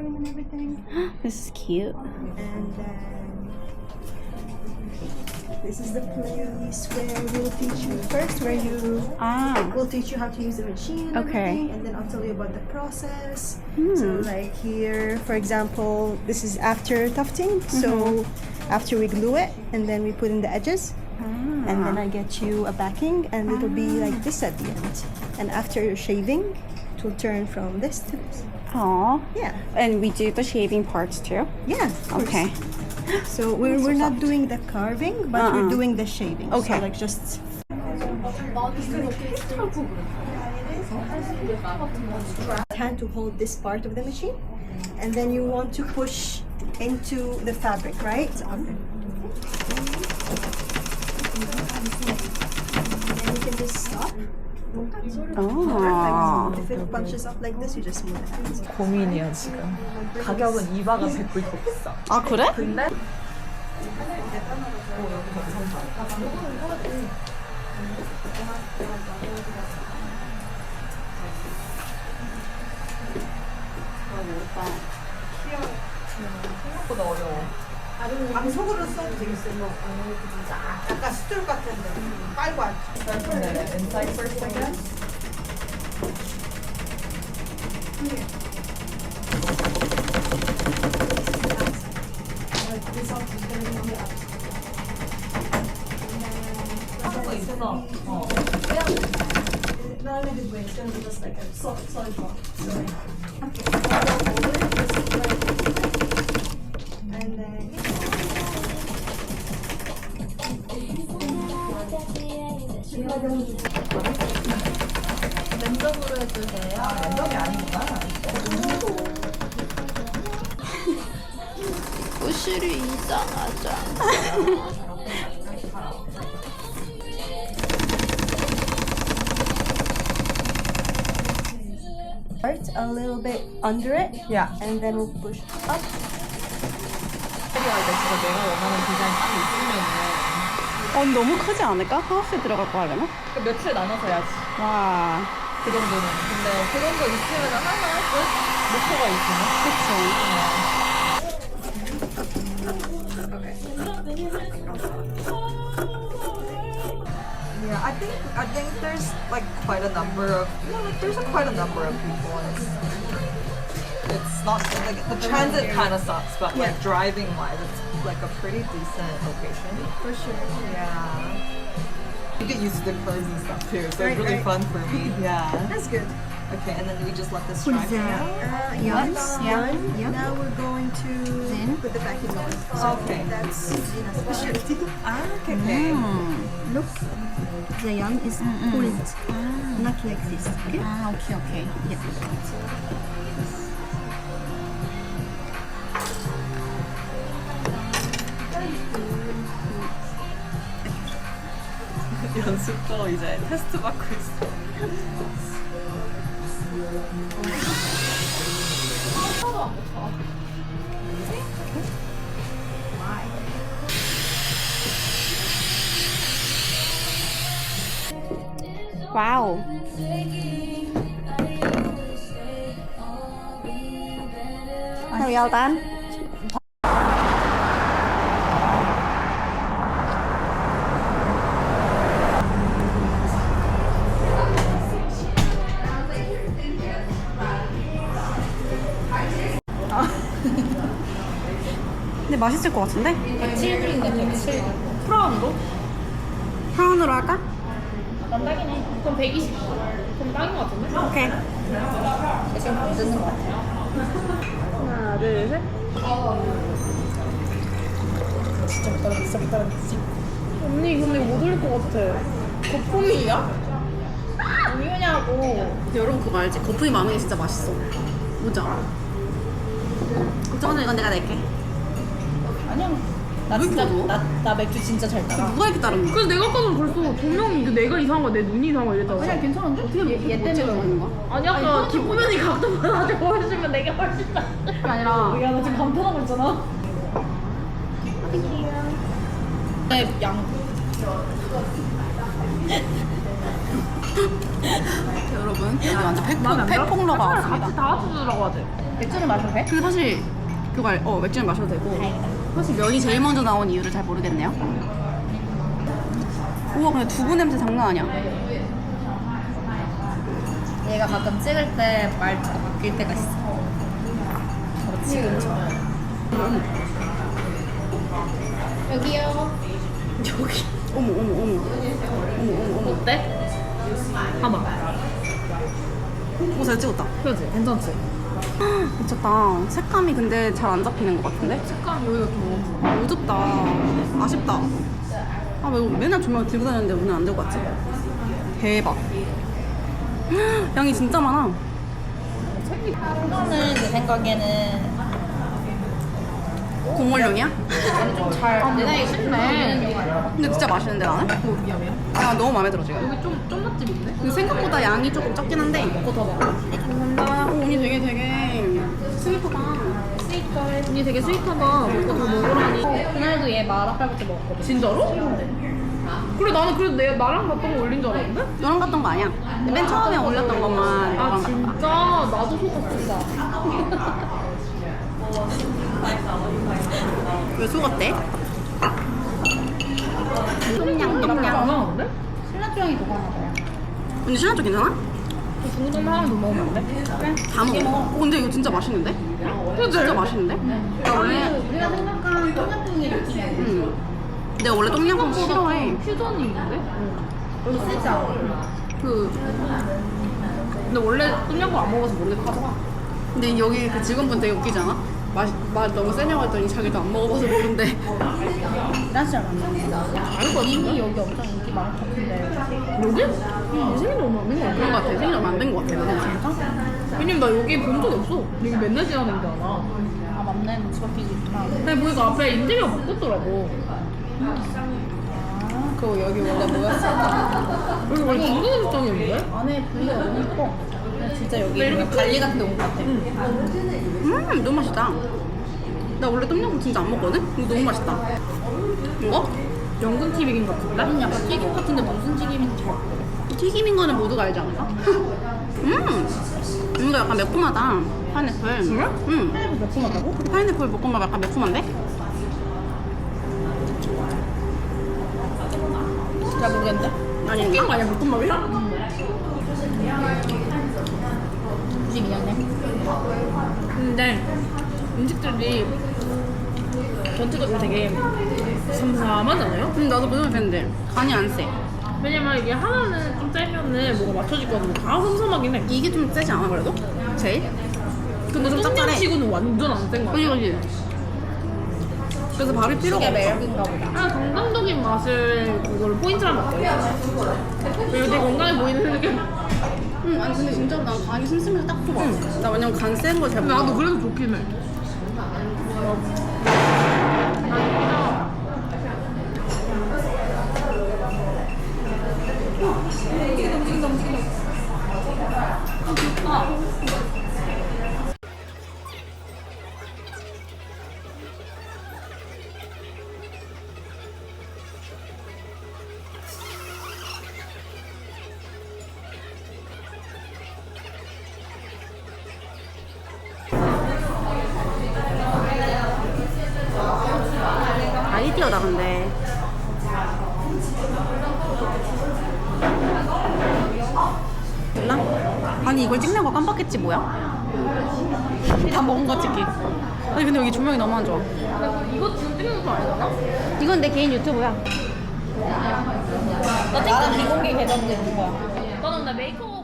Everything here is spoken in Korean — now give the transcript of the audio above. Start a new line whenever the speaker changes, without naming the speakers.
coloring and everything.
This is cute.
And then this is the place where we'll teach you first, where you we'll teach you how to use the machine and everything, and then I'll tell you about the process. So like here, for example, this is after tufting. So after we glue it and then we put in the edges, and then I get you a backing, and it'll be like this at the end. And after shaving, it will turn from this to this.
Aww.
Yeah.
And we do the shaving parts too?
Yeah.
Okay.
So we're not doing the carving, but we're doing the shaving.
Okay.
So like just hand to hold this part of the machine, and then you want to push into the fabric, right? And then you can just stop.
Oh.
If it punches up like this, you just move it out.
고민이야 지금. 가격은 이바가 100불 더 비싸.
아 그래?
근데 생각보다 어려워.
방석으로 써도 되겠어요. 약간 스툴 같은데 빨고 앉지.
Start from the inside first, I guess. 하는 거 있어.
Not in a good way. It's gonna be just like a solid ball. So, and then
랜덤으로 해주세요. 아, 랜덤이 아니구나.
부실이 이상하잖아.
start a little bit under it.
Yeah.
And then we'll push up.
캐리할 때 진짜 내가 원하는 디자인 딱 있으면은
너무 크지 않을까? 하우스에 들어갈 거 하려면?
며칠 나눠서 해야지.
와.
그 정도는. 근데 그 정도 있으면 하나 목표가 있으면. Yeah, I think there's like quite a number of quite a number of people. It's not like the transit kind of sucks, but like driving wise, it's like a pretty decent location.
For sure.
Yeah. You get used to the curves and stuff too, so
Right,
it's really
right.
fun for me. Yeah.
That's good.
Okay, and then we just let this dry for now.
Yes.
Yeah.
Now we're going to put the backing on. So
Okay.
that's Zina's specialty.
Ah, okay.
Look, the yarn is pulled, not like this. Okay.
아 오케이 오케이.
연습도 이제 테스트 받고 있어.
와우. Well done. 근데 맛있을 것 같은데?
7불인데 107.
프라운으로? 프라운으로 할까?
난 딱이네. 그럼 120. 그럼 딱인 것 같은데?
오케이.
지금 안 듣는 것 같아.
하나, 둘, 셋.
언니 근데 못 올릴 것 같아. 거품이야? 왜냐고.
여러분 그거 알지? 거품이 많은 게 진짜 맛있어. 보자. 걱정하지 마, 이건 내가 낼게.
아니야. 나
왜
진짜
이렇게 어두워?
나 맥주 진짜 잘 따라.
누가 이렇게 따르는 거야?
그래서 내가 아까는 벌써 분명히 이게 내가 이상한 거야, 내 눈이 이상한 거야 이랬잖아. 그냥 괜찮은데? 어떻게
얘 때문에 그러는 거야?
아니 아까 기쁘면이 각도보다 나한테 보여주면 내가 훨씬 나.
그게 아니라
야, 나 지금 감탄하고 있잖아. 네, 양.
여러분 여기 완전 팩폭러가 왔습니다.
같이 다 합쳐주라고 하지.
맥주는 마셔도 돼? 그 사실 맥주는 마셔도 되고 사실 면이 제일 먼저 나온 이유를 잘 모르겠네요. 우와 근데 두부 냄새 장난 아니야.
얘가 가끔 찍을 때 말투가 바뀔 때가 있어. 지금처럼. 여기요.
여기 어머
어때? 봐봐.
오 잘 찍었다.
그렇지? 괜찮지?
미쳤다. 색감이 근데 잘 안 잡히는 것 같은데?
색감 여기가 좀
어둡다. 아쉽다. 아, 왜 맨날 조명 들고 다녔는데 오늘 안 들고 왔지? 대박. 양이 진짜 많아.
이거는 내 생각에는
국물용이야?
내 나이에 쉽네.
근데 진짜 맛있는데 나는?
미안해요.
아, 너무 마음에 들어 지금.
여기 좀 맛집인데?
근데 생각보다 양이 조금 적긴 한데 이거 더 먹어. 감사합니다. 오, 언니 되게 스위트다.
언니 되게 스윗하다. 먹고 더 먹으라니.
그날도 얘 마라칼국수 먹었거든.
진짜로? 그래 나는 그래도 내 나랑 갔던 거 올린 줄 알았는데?
너랑 갔던 거 아니야. 맨 처음에 올렸던 것만
아
너랑 갔다.
진짜? 나도 속았어.
왜 속았대?
안 하는데?
신라조향이 더 강하다.
언니 신라쪽 괜찮아?
저 중국동 하나 더 먹으면 안 돼?
다 먹어. 어, 근데 이거 진짜 맛있는데? 진짜 맛있는데? 나 원래
우리가 생각한 똠양꿍의 느낌이야.
내가 원래 똠양꿍 싫어해.
퓨전이 있는데?
여기 쓰지 않아.
근데 원래 똠양꿍 안 먹어서 모르겠다.
근데 여기 그 직원분 되게 웃기지 않아? 맛 너무 세냐고 했더니 자기도 안 먹어봐서 모른대.
난 진짜 안 먹어. 이미 여기 엄청 인기 많을 것 같은데.
여기? 응. 생일 얼마 안 된 거
그런
같아.
거 같아. 생일 얼마 안 된 거 같아. 진짜?
왜냐면 나 여기 본 적이 없어. 여기 맨날 지나다니는 데 알아.
아 맞네. 집 앞이지 있구나.
근데 보니까 앞에 인테리어 바꿨더라고.
그거 여기 원래 뭐였어?
여기 원래 중국 음식점이었는데?
안에 분위기가 너무 예뻐. 그냥 진짜 여기 뭔가 관리 같은 데 온 것 같아.
너무 맛있다. 나 원래 똠양꿍 진짜 안 먹거든? 이거 너무 맛있다. 이거?
연근 튀김 같은데?
약간 튀김 같은데 무슨 튀김인지 잘 모르겠어.
튀김인 거는 모두가 알지 않을까? 이거 약간 매콤하다. 파인애플.
그래?
응.
매콤하다고?
파인애플 볶음밥 약간 매콤한데?
잘 모르겠는데?
아닌가?
튀긴 거 아니야? 볶음밥이야?
굳이 미안해.
근데 음식들이 전체적으로 되게 삼삼하잖아요?
나도 그 생각했는데 간이 안 세.
왜냐면 이게 하나는 좀 짜면은 뭐가 맞춰질 거같은데 다 삼삼하긴 해.
이게 좀 세지 않아 그래도? 제일?
근데
좀 짭짤해.
똠양치고는 완전 안 센 거
그지
같아.
그지? 그래서 밥이 필요가
이게
없어.
매력인가 보다.
그냥 건강적인 맛을 그걸 포인트로 하면 어때요? 그리고 되게 건강해 보이는 느낌.
아니 근데 진짜로 난 간이 슴슴해서 딱 좋아. 나 왜냐면 간 센 거 잘
근데
먹어.
나도 그래도 좋긴 해.
아이디어다 근데. 몰라? 아니 이걸 찍냐고 깜빡했지 뭐야? 다 먹은 거 찍기. 아니 근데 여기 조명이 너무 안 좋아.
이거 지금 찍는 거 아니잖아?
이건 내 개인 유튜브야.
나는 비공개 계정도 있는 거야.
너는 나 메이크업